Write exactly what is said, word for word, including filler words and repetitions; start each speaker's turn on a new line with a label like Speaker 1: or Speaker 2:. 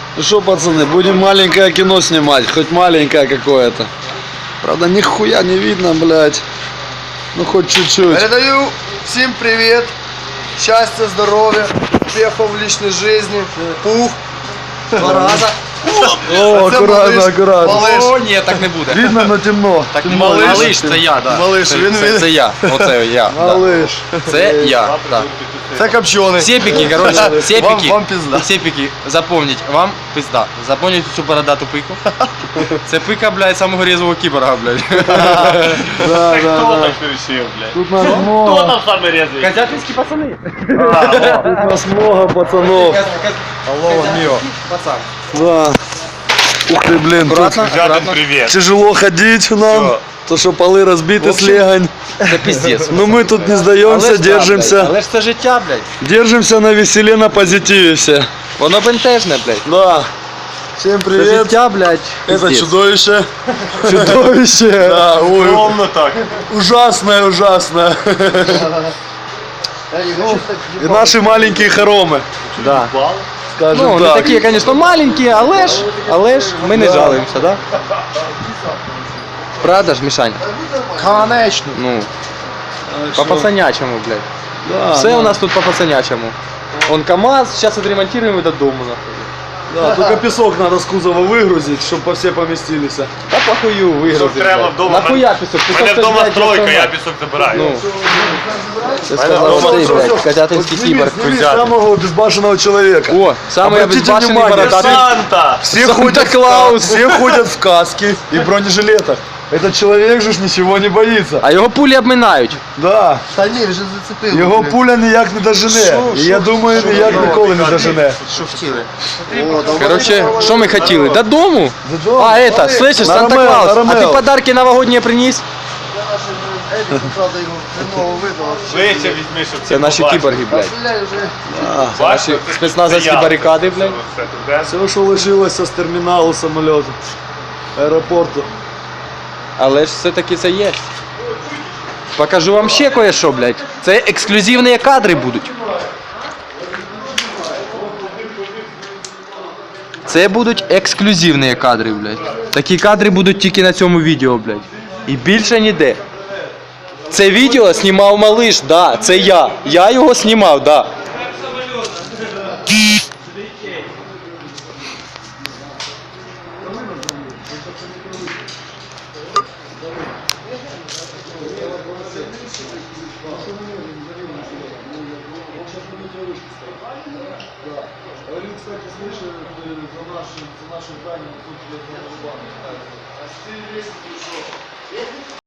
Speaker 1: Ну что, пацаны, будем маленькое кино снимать, хоть маленькое какое-то. Правда, нихуя не видно, блядь. Ну хоть чуть-чуть.
Speaker 2: Передаю всем привет, счастья, здоровья, успехов в личной жизни, пух, два раза.
Speaker 1: О, аккуратно, аккуратно.
Speaker 2: Малыш.
Speaker 3: О, ні, так не буде.
Speaker 1: Видно, но темно.
Speaker 3: Так не
Speaker 2: Малиш.
Speaker 3: малиш, малиш, це я, да.
Speaker 2: Малиш,
Speaker 3: це,
Speaker 2: він-
Speaker 3: це,
Speaker 2: він-
Speaker 3: це я. Оце я. Да.
Speaker 1: Малыш.
Speaker 3: Це я. Да.
Speaker 2: Це копчений.
Speaker 3: Сепіки, короче, сепіки.
Speaker 2: Вам, вам пизда.
Speaker 3: Сепіки, запомніть, вам пизда. Запомніть цю бородату пику. Це пика, блядь, самого резвого кіборга, блядь.
Speaker 1: Да, да,
Speaker 4: Кто
Speaker 1: да.
Speaker 4: так решил, блядь?
Speaker 1: Тут нас
Speaker 4: Кто
Speaker 1: много.
Speaker 4: там самый резвый?
Speaker 3: Козятинські пацани.
Speaker 1: Тут нас много пацанов.
Speaker 2: Алло, мио.
Speaker 3: Пацан.
Speaker 1: Да. Ух ты, блин, тут
Speaker 3: Аккуратно,
Speaker 4: Жадин,
Speaker 3: аккуратно.
Speaker 4: привет.
Speaker 1: тяжело ходить нам. То, что полы разбиты с легонь.
Speaker 3: Це пиздец.
Speaker 1: Но мы тут не сдаемся, держимся.
Speaker 3: Але ж це життя, блядь.
Speaker 1: Держимся на веселе, на позитиве все.
Speaker 3: Воно бентежне, блядь.
Speaker 1: Да. Всем
Speaker 3: Це
Speaker 1: привет.
Speaker 3: життя, блядь.
Speaker 1: Это
Speaker 3: пиздец.
Speaker 1: чудовище. Чудовище. Да, ой.
Speaker 4: Ровно так.
Speaker 1: Ужасное, ужасное. И наши маленькие хоромы.
Speaker 3: Да.
Speaker 1: Скажем
Speaker 3: Ну, не
Speaker 1: так.
Speaker 3: такі, звісно, маленькі, але ж, але ж ми не
Speaker 1: Да.
Speaker 3: жалуємося, да? Правда ж, Мішань?
Speaker 2: Конечно.
Speaker 3: Ну, по пацанячому, блядь.
Speaker 1: Да,
Speaker 3: Все
Speaker 1: да.
Speaker 3: у нас тут по пацанячому. Он КамАЗ, сейчас отремонтируем и до дому, нахуй.
Speaker 1: Да, только песок надо с кузова выгрузить, чтобы все поместились.
Speaker 3: Та похую
Speaker 4: Пісок
Speaker 3: вигрузить,
Speaker 4: треба
Speaker 3: блядь.
Speaker 4: вдома.
Speaker 3: Нахуя пісок?
Speaker 4: У
Speaker 3: Пісок
Speaker 4: мене
Speaker 3: це,
Speaker 4: вдома
Speaker 3: блядь,
Speaker 4: стройка,
Speaker 3: для
Speaker 4: я
Speaker 3: автомата.
Speaker 4: пісок забираю.
Speaker 3: Ну, це
Speaker 4: Мене
Speaker 3: сказав
Speaker 4: вдома
Speaker 3: ти,
Speaker 4: стройка.
Speaker 3: блядь, козятинський кіборг.
Speaker 1: Снимите самого безбашенного человека.
Speaker 3: О, самый
Speaker 1: Обратите
Speaker 3: обезбашенный
Speaker 1: внимание,
Speaker 3: бородатый.
Speaker 4: Санта!
Speaker 1: Все ходят, в ка- все ходят в каске и бронежилетах. Этот человек же ж ничего не боится.
Speaker 3: А його пулі обминають.
Speaker 1: Да,
Speaker 2: Та ні, вже зацепив.
Speaker 1: його пуля ніяк не дожене.
Speaker 2: Що,
Speaker 1: І
Speaker 2: що,
Speaker 1: я думаю,
Speaker 2: що
Speaker 1: ніяк
Speaker 2: ви
Speaker 1: ніколи не дожене.
Speaker 2: Що хотіли? О, да
Speaker 3: Короче, що ми хотіли? Додому?
Speaker 1: Додому.
Speaker 3: А, это, слышишь,
Speaker 1: На Ромео, на
Speaker 3: Санта-Клаус, а
Speaker 1: Ромео.
Speaker 3: ты подарки новогодние приніс?
Speaker 2: Едік, правда, його хреново видало.
Speaker 4: Вище візьми, щоб
Speaker 3: Це наші кіборги, блядь.
Speaker 2: Стріляй вже.
Speaker 3: Це наші спецназовські барикади, блядь.
Speaker 1: Все, що лишилося з терміналу самольоту, аеропорту.
Speaker 3: Але ж все-таки це є. Покажу вам ще кое-що, блядь. Це ексклюзивні кадри будуть. Це будуть ексклюзивні кадри, блядь. Такі кадри будуть тільки на цьому відео, блядь. І більше ніде. Це відео знімав малиш, да, це я. Я його знімав, да.
Speaker 1: Говорил, кстати, слышал за нашим, за нашим зданием, тут для